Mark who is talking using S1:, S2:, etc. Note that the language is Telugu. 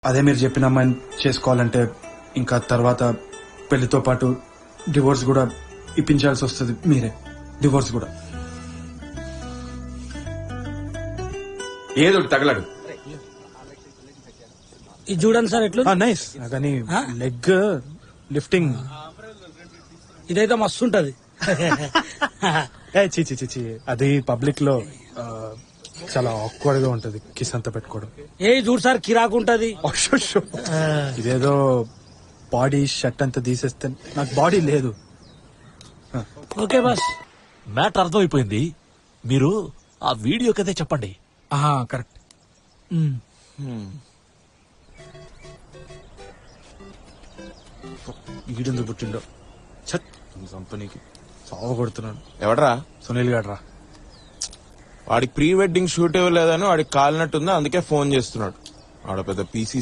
S1: అదే మీరు చెప్పిన అమ్మాయిని చేసుకోవాలంటే ఇంకా తర్వాత పెళ్లితో పాటు డివోర్స్ కూడా ఇప్పించాల్సి వస్తుంది. మీరే డివోర్స్ కూడా
S2: ఏదో తగలడు.
S3: ఇది చూడండి సార్ ఎట్లా
S1: నైస్ కానీ లెగ్ లిఫ్టింగ్
S3: ఇదైతే మస్తు ఉంటది.
S1: చిచి చిచి అది పబ్లిక్ లో చాలా ఆక్వర్డ్ గా ఉంటది కిస్ అంతా పెట్టుకోవడం.
S3: ఏ చూడు సార్ కిరాకు ఉంటది.
S1: అశ్శో. ఇదేదో బాడీ షర్ట్ అంతా తీసేస్తే నాకు బాడీ లేదు.
S3: ఓకే బాస్
S4: మ్యాటర్ అర్థమైపోయింది. మీరు ఆ వీడియో కదే చెప్పండి.
S1: కరెక్ట్. ఈడెందుకు పుట్టిండో ఛత్ కంపెనీకి సావ కొడుతున్నాడు.
S2: ఎవడరా?
S1: సునీల్ గాడ్రా.
S2: వాడికి ప్రీ వెడ్డింగ్ షూట్ ఇవ్వలేదని వాడికి కాలినట్టుంది, అందుకే ఫోన్ చేస్తున్నాడు. ఆడ పెద్ద పీసీ